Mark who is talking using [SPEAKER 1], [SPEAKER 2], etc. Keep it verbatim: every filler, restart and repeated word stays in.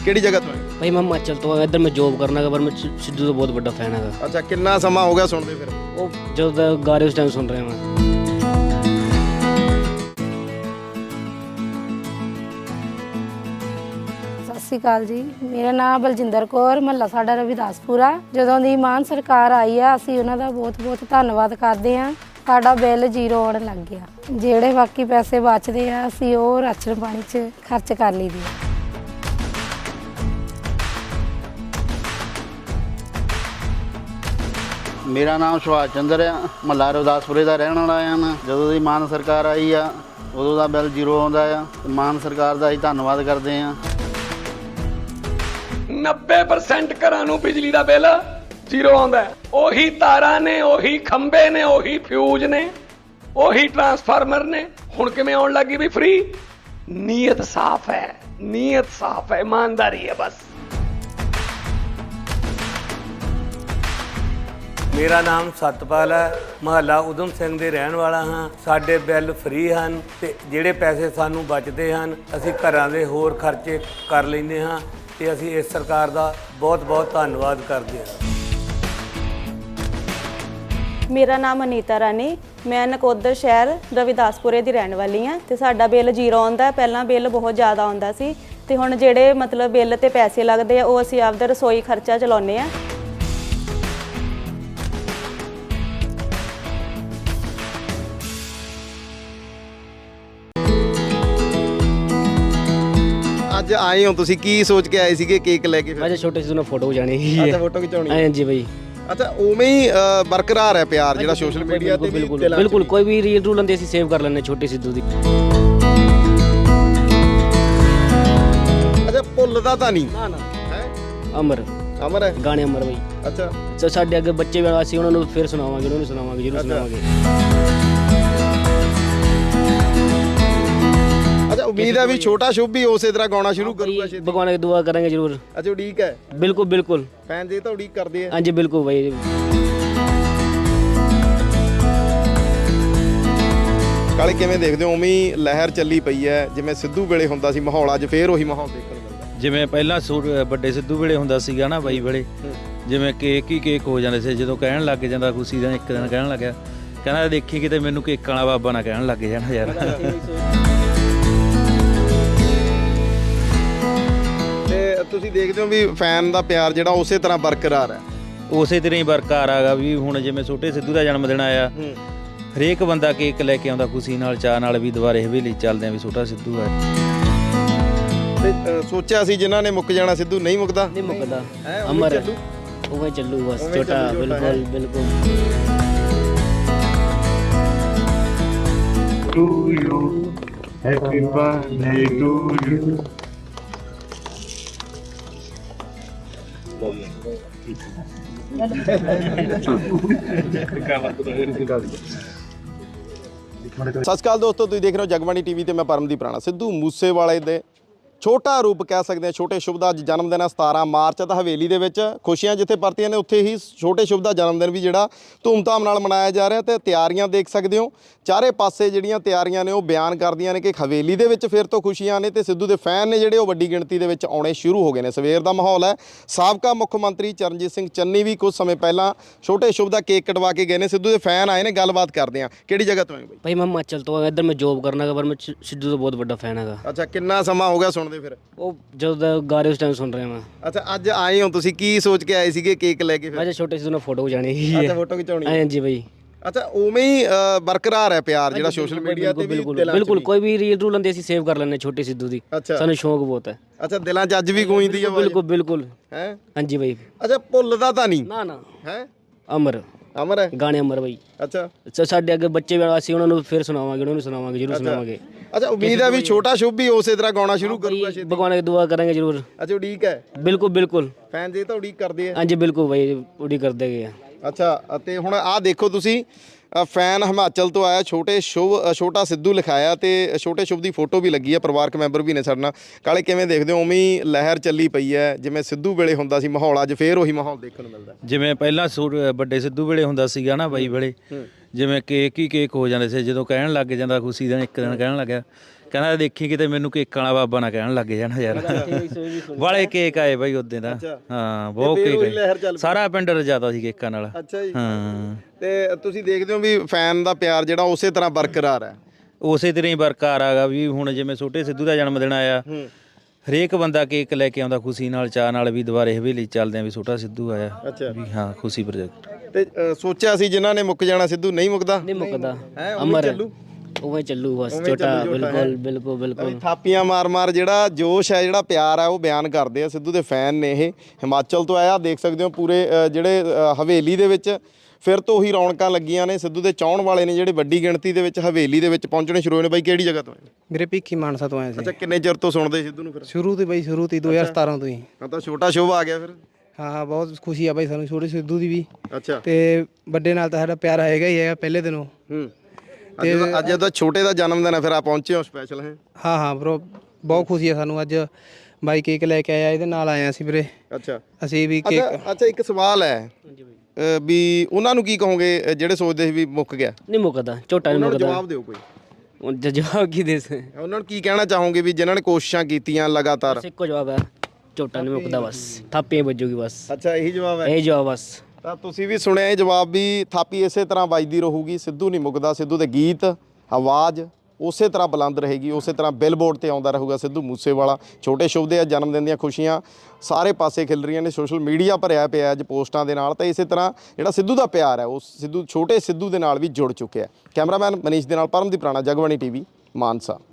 [SPEAKER 1] ਕਿਹੜੀ ਜਗ੍ਹਾ ਤੋਂ ਆਏ?
[SPEAKER 2] भाई मैं हिमाचल तो इधर मैं जॉब करना पर मैं सिद्धू का बहुत बड़ा फैन है।
[SPEAKER 1] ਅੱਛਾ ਕਿੰਨਾ ਸਮਾਂ ਹੋ ਗਿਆ ਸੁਣਦੇ ਫਿਰ?
[SPEAKER 2] वो जो गा रहे उस टाइम सुन रहे हैं मैं।
[SPEAKER 3] ਸਤਿ ਸ਼੍ਰੀ ਅਕਾਲ ਜੀ, ਮੇਰਾ ਨਾਮ ਬਲਜਿੰਦਰ ਕੌਰ, ਮਹੱਲਾ ਸਾਡਾ ਰਵਿਦਾਸਪੁਰਾ। ਜਦੋਂ ਦੀ ਮਾਨ ਸਰਕਾਰ ਆਈ ਆ ਅਸੀਂ ਉਹਨਾਂ ਦਾ ਬਹੁਤ ਬਹੁਤ ਧੰਨਵਾਦ ਕਰਦੇ ਹਾਂ। ਸਾਡਾ ਬਿੱਲ ਜ਼ੀਰੋ ਆਉਣ ਲੱਗ ਗਿਆ। ਜਿਹੜੇ ਬਾਕੀ ਪੈਸੇ ਬਚਦੇ ਆ ਅਸੀਂ ਉਹ ਰਾਸ਼ਨ ਪਾਣੀ 'ਚ ਖਰਚ ਕਰ ਲਈਦੇ ਆ।
[SPEAKER 4] ਮੇਰਾ ਨਾਮ ਸੁਭਾਸ਼ ਚੰਦਰ ਆ, ਮਹੱਲਾ ਰਵਿਦਾਸਪੁਰੇ ਦਾ ਰਹਿਣ ਵਾਲਾ ਆ ਮੈਂ। ਜਦੋਂ ਦੀ ਮਾਨ ਸਰਕਾਰ ਆਈ ਆ ਉਦੋਂ ਦਾ ਬਿੱਲ ਜ਼ੀਰੋ ਆਉਂਦਾ ਆ। ਮਾਨ ਸਰਕਾਰ ਦਾ ਅਸੀਂ ਧੰਨਵਾਦ ਕਰਦੇ ਆ।
[SPEAKER 5] ਨੱਬੇ ਪਰਸੈਂਟ ਘਰਾਂ ਨੂੰ ਬਿਜਲੀ ਦਾ ਬਿੱਲ ਜ਼ੀਰੋ ਆਉਂਦਾ। ਉਹੀ ਤਾਰਾਂ ਨੇ, ਉਹੀ ਖੰਭੇ ਨੇ, ਉਹੀ ਫਿਊਜ਼ ਨੇ, ਉਹੀ ਟਰਾਂਸਫਾਰਮਰ ਨੇ। ਹੁਣ ਕਿਵੇਂ ਆਉਣ ਲੱਗੀ ਵੀ ਫ੍ਰੀ? ਨੀਅਤ ਸਾਫ਼ ਹੈ, ਨੀਅਤ ਸਾਫ਼ ਹੈ, ਇਮਾਨਦਾਰੀ ਹੈ ਬਸ।
[SPEAKER 6] ਮੇਰਾ ਨਾਮ ਸਤਪਾਲ ਹੈ, ਮਹੱਲਾ ਉਦਮ ਸਿੰਘ ਦੇ ਰਹਿਣ ਵਾਲਾ ਹਾਂ। ਸਾਡੇ ਬਿੱਲ ਫ੍ਰੀ ਹਨ ਤੇ ਜਿਹੜੇ ਪੈਸੇ ਸਾਨੂੰ ਬਚਦੇ ਹਨ ਅਸੀਂ ਘਰਾਂ ਦੇ ਹੋਰ ਖਰਚੇ ਕਰ ਲੈਂਦੇ ਹਾਂ ਤੇ ਅਸੀਂ ਇਸ ਸਰਕਾਰ ਦਾ ਬਹੁਤ ਬਹੁਤ ਧੰਨਵਾਦ ਕਰਦੇ ਹਾਂ।
[SPEAKER 7] ਮੇਰਾ ਨਾਮ ਅਨੀਤਾ ਰਾਣੀ, ਮੈਂ ਨਕੋਦਰ ਸ਼ਹਿਰ ਰਵਿਦਾਸਪੁਰੇ ਦੀ ਰਹਿਣ ਵਾਲੀ ਹਾਂ ਤੇ ਸਾਡਾ ਬਿੱਲ ਜ਼ੀਰੋ ਆਉਂਦਾ। ਪਹਿਲਾਂ ਬਿੱਲ ਬਹੁਤ ਜ਼ਿਆਦਾ ਆਉਂਦਾ ਸੀ ਤੇ ਹੁਣ ਜਿਹੜੇ ਮਤਲਬ ਬਿੱਲ ਤੇ ਪੈਸੇ ਲੱਗਦੇ ਆ ਉਹ ਅਸੀਂ ਆਪਦਾ ਰਸੋਈ ਖਰਚਾ ਚਲਾਉਂਦੇ ਆ।
[SPEAKER 1] ਅੱਜ ਆਏ ਹੋ ਤੁਸੀਂ, ਕੀ ਸੋਚ ਕੇ ਆਏ ਸੀਗੇ ਕੇਕ ਲੈ ਕੇ ਫਿਰ?
[SPEAKER 2] मैं छोटे सिद्धू ने फोटो खिंचानी
[SPEAKER 1] ਅੱਛਾ ਫੋਟੋ ਖਿਚਾਉਣੀ
[SPEAKER 2] हाँ जी भाई।
[SPEAKER 1] ਅੱਛਾ ਉਵੇਂ ਹੀ ਅ, ਬਰਕਰਾਰ ਹੈ ਪਿਆਰ ਜਿਹੜਾ ਸੋਸ਼ਲ ਮੀਡੀਆ ਤੇ ਵੀ
[SPEAKER 2] बिल्कुल
[SPEAKER 1] ਦਿਲਾਂ 'ਚ
[SPEAKER 2] बिल्कुल
[SPEAKER 1] ਵੀ।
[SPEAKER 2] कोई भी रील रूल आंदी सेव कर लेने छोटे सिद्धू दी।
[SPEAKER 1] ਅੱਛਾ ਭੁੱਲਦਾ ਤਾਂ ਨਹੀਂ
[SPEAKER 2] ना ना
[SPEAKER 1] ਹੈ?
[SPEAKER 2] अमर
[SPEAKER 1] ਅਮਰ ਹੈ।
[SPEAKER 2] गाने अमर भाई।
[SPEAKER 1] ਅੱਛਾ
[SPEAKER 2] ਸੋ ਸਾਡੇ ਅੱਗੇ ਬੱਚੇ ਵੀ ਅਸੀਂ ਉਹਨਾਂ ਨੂੰ ਫਿਰ ਸੁਣਾਵਾਂਗੇ, ਉਹਨਾਂ ਨੂੰ ਸੁਣਾਵਾਂਗੇ, ਜ਼ਰੂਰ ਸੁਣਾਵਾਂਗੇ।
[SPEAKER 1] ਅੱਛਾ ਉਮੀਦ ਹੈ ਵੀ ਛੋਟਾ ਸ਼ੁਭ ਵੀ ਉਸੇ ਤਰ੍ਹਾਂ ਗਾਉਣਾ ਸ਼ੁਰੂ ਕਰੂਗਾ ਛੇਤੀ।
[SPEAKER 2] भगवान की दुआ करेंगे जरूर।
[SPEAKER 1] ਅੱਛਾ ਉਡੀਕ ਹੈ,
[SPEAKER 2] बिल्कुल बिल्कुल
[SPEAKER 1] ਫੈਨ ਜੇ ਤਾਂ ਉਡੀਕ ਕਰਦੇ ਆ।
[SPEAKER 2] हाँ जी बिल्कुल भाई।
[SPEAKER 1] ਕਾਲੇ ਕਿਵੇਂ ਦੇਖਦੇ ਹੋ? ਉਵੇਂ ਹੀ ਲਹਿਰ ਚੱਲੀ ਪਈ ਹੈ ਜਿਵੇਂ ਸਿੱਧੂ ਵੇਲੇ ਹੁੰਦਾ ਸੀ ਮਾਹੌਲ, ਅੱਜ ਫੇਰ ਉਹੀ ਮਾਹੌਲ ਦੇਖਣ ਨੂੰ ਮਿਲਦਾ।
[SPEAKER 8] ਜਿਵੇਂ ਪਹਿਲਾਂ ਸੂਟ ਵੱਡੇ ਸਿੱਧੂ ਵੇਲੇ ਹੁੰਦਾ ਸੀਗਾ ਨਾ ਬਾਈ ਵੇਲੇ, ਜਿਵੇਂ ਕੇਕ ਹੀ ਕੇਕ ਹੋ ਜਾਂਦੇ ਸੀ। ਜਦੋਂ ਕਹਿਣ ਲੱਗ ਜਾਂਦਾ ਖੁਸ਼ੀ ਦਾ ਇੱਕ ਦਿਨ ਕਹਿਣ ਲੱਗਿਆ, ਕਹਿੰਦਾ ਦੇਖੀ ਕਿਤੇ ਮੈਨੂੰ ਕੇਕ ਵਾਲਾ ਬਾਬਾ ਨਾ ਕਹਿਣ ਲੱਗ ਜਾਣਾ ਯਾਰ।
[SPEAKER 1] ਤੇ ਤੁਸੀਂ ਦੇਖਦੇ ਹੋ ਵੀ ਫੈਨ ਦਾ ਪਿਆਰ ਜਿਹੜਾ ਉਸੇ ਤਰ੍ਹਾਂ ਬਰਕਰਾਰ ਹੈ।
[SPEAKER 8] ਉਸੇ ਤਰ੍ਹਾਂ ਹੀ ਬਰਕਰਾਰ ਆਗਾ ਵੀ ਹੁਣ ਜਿਵੇਂ ਛੋਟੇ ਸਿੱਧੂ ਦਾ ਜਨਮ ਦਿਨ ਆਇਆ, ਹਰੇਕ ਬੰਦਾ ਕੇਕ ਲੈ ਕੇ ਆਉਂਦਾ ਖੁਸ਼ੀ ਨਾਲ, ਚਾਅ ਨਾਲ ਵੀ ਦੁਬਾਰੇ ਹਵੇਲੀ ਚੱਲਦੇ ਆ ਵੀ ਛੋਟਾ ਸਿੱਧੂ ਆ।
[SPEAKER 1] ਤੇ ਅ, ਸੋਚਿਆ ਸੀ ਜਿਨ੍ਹਾਂ ਨੇ ਮੁੱਕ ਜਾਣਾ ਸਿੱਧੂ, ਨਹੀਂ ਮੁੱਕਦਾ।
[SPEAKER 2] नहीं मुकदा
[SPEAKER 1] ਹੈ ਉਵੇਂ
[SPEAKER 2] अमर
[SPEAKER 1] ਚੱਲੂ।
[SPEAKER 2] वो चलू बस
[SPEAKER 1] उਵੇਂ
[SPEAKER 2] छोटा
[SPEAKER 1] ਚੱਲੂ, ਛੋਟਾ ਹੈ।
[SPEAKER 2] बिल्कुल बिल्कुल।
[SPEAKER 9] to you. Happy birthday to you.
[SPEAKER 1] ਸਤਿ ਸ਼੍ਰੀ ਅਕਾਲ ਦੋਸਤੋ, ਤੁਸੀਂ ਦੇਖ ਰਹੇ ਹੋ ਜਗਬਾਣੀ ਟੀਵੀ ਤੇ ਮੈਂ ਪਰਮਦੀਪ ਰਾਣਾ। ਸਿੱਧੂ ਮੂਸੇਵਾਲੇ ਦੇ ਛੋਟਾ ਰੂਪ ਕਹਿ ਸਕਦੇ ਹਾਂ, ਛੋਟੇ ਸ਼ੁਭ ਦਾ ਅੱਜ ਜਨਮ ਦਿਨ ਹੈ ਸਤਾਰਾਂ ਮਾਰਚ ਤਾਂ ਹਵੇਲੀ ਦੇ ਵਿੱਚ ਖੁਸ਼ੀਆਂ ਜਿੱਥੇ ਪਰਤੀਆਂ ਨੇ ਉੱਥੇ ਹੀ ਛੋਟੇ ਸ਼ੁਭ ਦਾ ਜਨਮ ਦਿਨ ਵੀ ਜਿਹੜਾ ਧੂਮਧਾਮ ਨਾਲ ਮਨਾਇਆ ਜਾ ਰਿਹਾ। ਤੇ ਤਿਆਰੀਆਂ ਦੇਖ ਸਕਦੇ ਹੋ ਚਾਰੇ ਪਾਸੇ ਜਿਹੜੀਆਂ ਤਿਆਰੀਆਂ ਨੇ ਉਹ ਬਿਆਨ ਕਰਦੀਆਂ ਨੇ ਕਿ ਹਵੇਲੀ ਦੇ ਵਿੱਚ ਫਿਰ ਤੋਂ ਖੁਸ਼ੀਆਂ ਨੇ ਤੇ ਸਿੱਧੂ ਦੇ ਫੈਨ ਨੇ ਜਿਹੜੇ ਉਹ ਵੱਡੀ ਗਿਣਤੀ ਦੇ ਵਿੱਚ ਆਉਣੇ ਸ਼ੁਰੂ ਹੋ ਗਏ ਨੇ। ਸਵੇਰ ਦਾ ਮਾਹੌਲ ਹੈ। ਸਾਬਕਾ ਮੁੱਖ ਮੰਤਰੀ ਚਰਨਜੀਤ ਸਿੰਘ ਚੰਨੀ ਵੀ ਕੁਝ ਸਮੇਂ ਪਹਿਲਾਂ ਛੋਟੇ ਸ਼ੁਭ ਦਾ ਕੇਕ ਕਟਵਾ ਕੇ ਗਏ ਨੇ। ਸਿੱਧੂ ਦੇ ਫੈਨ ਆਏ ਨੇ, ਗੱਲਬਾਤ ਕਰਦੇ ਆ। ਕਿਹੜੀ ਜਗ੍ਹਾ ਤੋਂ ਆਏ ਬਾਈ?
[SPEAKER 2] भाई मैं हिमाचल तो इधर मैं जॉब करना पर मैं सिद्धू का बहुत बड़ा फैन है।
[SPEAKER 1] ਅੱਛਾ ਕਿੰਨਾ ਸਮਾਂ ਹੋ ਗਿਆ ਸੁਣਦੇ ਫਿਰ?
[SPEAKER 2] वो जो गा रहे उस टाइम सुन रहे हैं मैं।
[SPEAKER 1] ਅੱਛਾ ਅੱਜ ਆਏ ਹੋ ਤੁਸੀਂ, ਕੀ ਸੋਚ ਕੇ ਆਏ ਸੀਗੇ ਕੇਕ ਲੈ ਕੇ ਫਿਰ?
[SPEAKER 2] मैं छोटे सिद्धू ने फोटो खिंचानी
[SPEAKER 1] ਅੱਛਾ ਫੋਟੋ ਖਿਚਾਉਣੀ।
[SPEAKER 2] हाँ जी भाई।
[SPEAKER 1] ਅੱਛਾ ਉਵੇਂ ਹੀ ਅ, ਬਰਕਰਾਰ ਹੈ ਪਿਆਰ ਜਿਹੜਾ ਸੋਸ਼ਲ ਮੀਡੀਆ ਤੇ ਵੀ
[SPEAKER 2] बिल्कुल
[SPEAKER 1] ਦਿਲਾਂ 'ਚ
[SPEAKER 2] बिल्कुल
[SPEAKER 1] ਵੀ।
[SPEAKER 2] कोई भी रील रूल आंदी सेव कर लेने छोटे सिद्धू दी।
[SPEAKER 1] ਅੱਛਾ
[SPEAKER 2] सानू शौक बहुत है।
[SPEAKER 1] ਅੱਛਾ ਦਿਲਾਂ 'ਚ ਅੱਜ ਵੀ ਗੂੰਜਦੀ ਹੈ ਆਵਾਜ਼?
[SPEAKER 2] बिल्कुल बिल्कुल
[SPEAKER 1] ਹੈ।
[SPEAKER 2] हाँ जी भाई।
[SPEAKER 1] ਅੱਛਾ ਭੁੱਲਦਾ ਤਾਂ ਨਹੀਂ
[SPEAKER 2] ना ना
[SPEAKER 1] ਹੈ?
[SPEAKER 2] अमर
[SPEAKER 1] ਅਮਰ ਹੈ।
[SPEAKER 2] गाने अमर भाई।
[SPEAKER 1] ਅੱਛਾ
[SPEAKER 2] ਸੋ ਸਾਡੇ ਅੱਗੇ ਬੱਚੇ ਵੀ ਅਸੀਂ ਉਹਨਾਂ ਨੂੰ ਫਿਰ ਸੁਣਾਵਾਂਗੇ, ਉਹਨਾਂ ਨੂੰ ਸੁਣਾਵਾਂਗੇ, ਜ਼ਰੂਰ ਸੁਣਾਵਾਂਗੇ।
[SPEAKER 1] ਅੱਛਾ ਉਮੀਦ ਹੈ ਵੀ ਛੋਟਾ ਸ਼ੁਭ ਵੀ ਉਸੇ ਤਰ੍ਹਾਂ ਗਾਉਣਾ ਸ਼ੁਰੂ ਕਰੂਗਾ ਛੇਤੀ।
[SPEAKER 2] भगवान की दुआ करेंगे जरूर।
[SPEAKER 1] ਅੱਛਾ ਉਡੀਕ ਹੈ,
[SPEAKER 2] बिल्कुल बिल्कुल
[SPEAKER 1] ਫੈਨ ਜੇ ਤਾਂ ਉਡੀਕ ਕਰਦੇ ਆ।
[SPEAKER 2] हाँ जी बिल्कुल भाई, उड़ी कर देंगे।
[SPEAKER 1] ਅੱਛਾ ਅਤੇ ਹੁਣ ਆਹ ਦੇਖੋ ਤੁਸੀਂ, ਅ, ਫੈਨ ਹਿਮਾਚਲ ਤੋਂ ਆਇਆ, ਛੋਟੇ ਸ਼ੁਭ ਅ, ਛੋਟਾ ਸਿੱਧੂ ਲਿਖਾਇਆ ਤੇ ਛੋਟੇ ਸ਼ੁਭ ਦੀ ਫੋਟੋ ਵੀ ਲੱਗੀ ਹੈ। ਪਰਿਵਾਰਕ ਮੈਂਬਰ ਵੀ ਨੇ ਸਾਡੇ ਨਾਲ। ਕਾਲੇ ਕਿਵੇਂ ਦੇਖਦੇ ਹੋ? ਉਵੇਂ ਹੀ ਲਹਿਰ ਚੱਲੀ ਪਈ ਹੈ ਜਿਵੇਂ ਸਿੱਧੂ ਵੇਲੇ ਹੁੰਦਾ ਸੀ ਮਾਹੌਲ, ਅੱਜ ਫੇਰ ਉਹੀ ਮਾਹੌਲ ਦੇਖਣ ਨੂੰ ਮਿਲਦਾ।
[SPEAKER 8] ਜਿਵੇਂ ਪਹਿਲਾਂ ਸੂਟ ਵੱਡੇ ਸਿੱਧੂ ਵੇਲੇ ਹੁੰਦਾ ਸੀਗਾ ਨਾ ਬਾਈ ਵੇਲੇ, ਜਿਵੇਂ ਕੇਕ ਹੀ ਕੇਕ ਹੋ ਜਾਂਦੇ ਸੀ। ਜਦੋਂ ਕਹਿਣ ਲੱਗ ਜਾਂਦਾ ਖੁਸ਼ੀ ਦਾ ਇੱਕ ਦਿਨ ਕਹਿਣ ਲੱਗਿਆ, ਕਹਿੰਦਾ ਦੇਖੀ ਕਿਤੇ ਮੈਨੂੰ ਕੇਕ ਵਾਲਾ ਬਾਬਾ ਨਾ ਕਹਿਣ ਲੱਗ ਜਾਣਾ ਯਾਰ ਵਾਲੇ ਕੇਕ ਆਏ ਬਾਈ ਉਹਦੇ ਦਾ ਹਾਂ ਬਹੁਤ ਕੇਕ ਆਏ ਸਾਰਾ ਪਿੰਡ ਰਜਾਦਾ ਸੀ ਕੇਕਾਂ ਨਾਲ
[SPEAKER 1] ਅੱਛਾ ਜੀ
[SPEAKER 8] ਹਾਂ
[SPEAKER 1] ਤੇ ਤੁਸੀਂ ਦੇਖਦੇ ਹੋ ਵੀ ਫੈਨ ਦਾ ਪਿਆਰ ਜਿਹੜਾ ਉਸੇ ਤਰ੍ਹਾਂ ਬਰਕਰਾਰ ਹੈ
[SPEAKER 8] ਉਸੇ ਤਰ੍ਹਾਂ ਹੀ ਬਰਕਰਾਰ ਆਗਾ ਵੀ ਹੁਣ ਜਿਵੇਂ ਛੋਟੇ ਸਿੱਧੂ ਦਾ ਜਨਮ ਦਿਨ ਆਇਆ ਹਰੇਕ ਬੰਦਾ ਕੇਕ ਲੈ ਕੇ ਆਉਂਦਾ ਖੁਸ਼ੀ ਨਾਲ ਚਾਹ ਨਾਲ ਵੀ ਦੁਬਾਰੇ ਹਵੇਲੀ ਚੱਲਦੇ ਆ ਵੀ ਛੋਟਾ ਸਿੱਧੂ ਆਇਆ ਵੀ ਹਾਂ ਖੁਸ਼ੀ ਪ੍ਰੋਜੈਕਟ
[SPEAKER 1] ਤੇ ਅ, ਸੋਚਿਆ ਸੀ ਜਿਨ੍ਹਾਂ ਨੇ ਮੁੱਕ ਜਾਣਾ ਸਿੱਧੂ ਨਹੀਂ ਮੁੱਕਦਾ
[SPEAKER 2] ਨਹੀਂ ਮੁੱਕਦਾ
[SPEAKER 1] ਹੈ
[SPEAKER 2] ਅਮਰ
[SPEAKER 1] ਚੱਲੂ
[SPEAKER 2] ਉਵੇਂ ਚੱਲੂ ਬਸ
[SPEAKER 1] ਉਵੇਂ
[SPEAKER 2] ਛੋਟਾ
[SPEAKER 1] ਚੱਲੂ, ਛੋਟਾ
[SPEAKER 2] ਬਿਲਕੁਲ
[SPEAKER 1] ਹੈ।
[SPEAKER 2] ਬਿਲਕੁਲ ਬਿਲਕੁਲ
[SPEAKER 1] ਥਾਪੀਆਂ ਮਾਰ-ਮਾਰ ਜਿਹੜਾ ਜੋਸ਼ ਹੈ ਜਿਹੜਾ ਪਿਆਰ ਹੈ ਉਹ ਬਿਆਨ ਕਰਦੇ ਆ ਸਿੱਧੂ ਦੇ ਫੈਨ ਨੇ ਇਹ ਹਿਮਾਚਲ ਤੋਂ ਆਇਆ ਦੇਖ ਸਕਦੇ ਹੋ ਪੂਰੇ ਅ, ਜਿਹੜੇ ਅ, ਹਵੇਲੀ ਦੇ ਵਿੱਚ ਫਿਰ ਤੋਂ ਉਹੀ ਰੌਣਕਾਂ ਲੱਗੀਆਂ ਨੇ ਸਿੱਧੂ ਦੇ ਚਾਹਣ ਵਾਲੇ ਨੇ ਜਿਹੜੇ ਵੱਡੀ ਗਿਣਤੀ ਦੇ ਵਿੱਚ ਹਵੇਲੀ ਦੇ ਵਿੱਚ ਪਹੁੰਚਣੇ ਸ਼ੁਰੂ ਹੋਏ ਨੇ ਬਾਈ ਕਿਹੜੀ ਜਗ੍ਹਾ ਤੋਂ ਆਏ
[SPEAKER 10] ਮੇਰੇ ਭਿੱਖੀ ਮਾਨਸਾ ਤੋਂ ਆਏ ਸੀ
[SPEAKER 1] ਅੱਛਾ ਕਿੰਨੇ ਚਿਰ ਤੋਂ ਸੁਣਦੇ ਸਿੱਧੂ ਨੂੰ ਫਿਰ
[SPEAKER 10] ਸ਼ੁਰੂ ਤੋਂ ਬਈ ਸ਼ੁਰੂ ਤੋਂ ਹੀ ਦੋ ਹਜ਼ਾਰ ਸਤਾਰਾਂ ਤੋਂ ਹੀ
[SPEAKER 1] ਹਾਂ ਤਾਂ ਛੋਟਾ ਸ਼ੋਭ ਆ ਗਿਆ ਫਿਰ
[SPEAKER 10] ਹਾਂ ਹਾਂ ਬਹੁਤ ਖੁਸ਼ੀ ਆ ਬਈ ਸਾਨੂੰ ਛੋਟੇ ਸਿੱਧੂ ਦੀ ਵੀ
[SPEAKER 1] ਅੱਛਾ
[SPEAKER 10] ਤੇ ਵੱਡੇ ਨਾਲ ਤਾਂ ਸਾਡਾ ਪਿਆਰ ਹੈਗਾ ਹੀ ਹੈਗਾ ਪਹਿਲੇ ਦਿਨੋਂ
[SPEAKER 1] ਹੂੰ ਅੱਜ ਦਾ ਅੱਜ ਦਾ ਛੋਟੇ ਦਾ ਜਨਮ ਦਿਨ ਹੈ ਫਿਰ ਆ ਪਹੁੰਚੇ ਹੋ ਸਪੈਸ਼ਲ ਹੈ
[SPEAKER 10] ਹਾਂ ਹਾਂ ਬ్రో ਬਹੁਤ ਖੁਸ਼ੀ ਆ ਸਾਨੂੰ ਅੱਜ ਬਾਈ ਕੇਕ ਲੈ ਕੇ ਆਇਆ ਇਹਦੇ ਨਾਲ ਆਏ ਅਸੀਂ ਵੀਰੇ
[SPEAKER 1] ਅੱਛਾ
[SPEAKER 10] ਅਸੀਂ ਵੀ ਕੇਕ
[SPEAKER 1] ਅੱਛਾ ਅੱਛਾ ਇੱਕ ਸਵਾਲ ਹੈ ਅ, ਵੀ ਉਹਨਾਂ ਨੂੰ ਕੀ ਕਹੋਗੇ ਅ, ਜਿਹੜੇ ਸੋਚਦੇ ਸੀ ਵੀ ਮੁੱਕ ਗਿਆ
[SPEAKER 2] ਨਹੀਂ ਮੁੱਕਦਾ ਝੋਟਾ ਨਹੀਂ
[SPEAKER 1] ਉਹਨਾਂ ਨੂੰ
[SPEAKER 2] ਮੁੱਕਦਾ
[SPEAKER 1] ਜਵਾਬ ਦਿਓ ਕੋਈ
[SPEAKER 2] ਹੁਣ ਜ- ਜਵਾਬ ਕੀ ਦੇ ਸੇ
[SPEAKER 1] ਉਹਨਾਂ ਨੂੰ ਕੀ ਕਹਿਣਾ ਚਾਹੋਗੇ ਵੀ ਜਿਨ੍ਹਾਂ ਨੇ ਕੋਸ਼ਿਸ਼ਾਂ ਕੀਤੀਆਂ ਲਗਾਤਾਰ
[SPEAKER 2] ਬਸ ਇੱਕੋ ਜਵਾਬ ਹੈ ਝੋਟਾ ਨਹੀਂ ਮੁੱਕਦਾ ਬਸ ਥਾਪੀਆਂ ਵੱਜੂਗੀ ਬਸ
[SPEAKER 1] ਅੱਛਾ ਇਹੀ ਜਵਾਬ ਹੈ
[SPEAKER 2] ਇਹ ਜਵਾਬ ਬਸ
[SPEAKER 1] ਤਾਂ ਤੁਸੀਂ ਵੀ ਸੁਣਿਆ ਇਹ ਜਵਾਬ ਵੀ ਥਾਪੀ ਇਸੇ ਤਰ੍ਹਾਂ ਵੱਜਦੀ ਰਹੂਗੀ ਸਿੱਧੂ ਨਹੀਂ ਮੁੱਕਦਾ ਸਿੱਧੂ ਦੇ ਗੀਤ ਆਵਾਜ਼ ਉਸੇ ਤਰ੍ਹਾਂ ਬੁਲੰਦ ਰਹੇਗੀ ਉਸੇ ਤਰ੍ਹਾਂ ਬਿਲਬੋਰਡ ਤੇ ਆਉਂਦਾ ਰਹੂਗਾ ਸਿੱਧੂ ਮੂਸੇਵਾਲਾ ਛੋਟੇ ਸ਼ੁਭ ਦੇ ਜਨਮ ਦਿਨ ਦੀਆਂ ਖੁਸ਼ੀਆਂ ਸਾਰੇ ਪਾਸੇ ਖਿਲ ਰਹੀਆਂ ਨੇ ਸੋਸ਼ਲ ਮੀਡੀਆ ਭਰਿਆ ਪਿਆ ਅੱਜ ਪੋਸਟਾਂ ਦੇ ਨਾਲ ਤਾਂ ਇਸੇ ਤਰ੍ਹਾਂ ਜਿਹੜਾ ਸਿੱਧੂ ਦਾ ਪਿਆਰ ਹੈ ਉਹ ਸਿੱਧੂ ਛੋਟੇ ਸਿੱਧੂ ਦੇ ਨਾਲ ਵੀ ਜੁੜ ਚੁੱਕਿਆ ਹੈ ਕੈਮਰਾਮੈਨ ਮਨੀਸ਼ ਦੇ ਨਾਲ ਪਰਮਦੀਪ ਰਾਣਾ ਜਗਬਾਣੀ ਟੀਵੀ ਮਾਨਸਾ।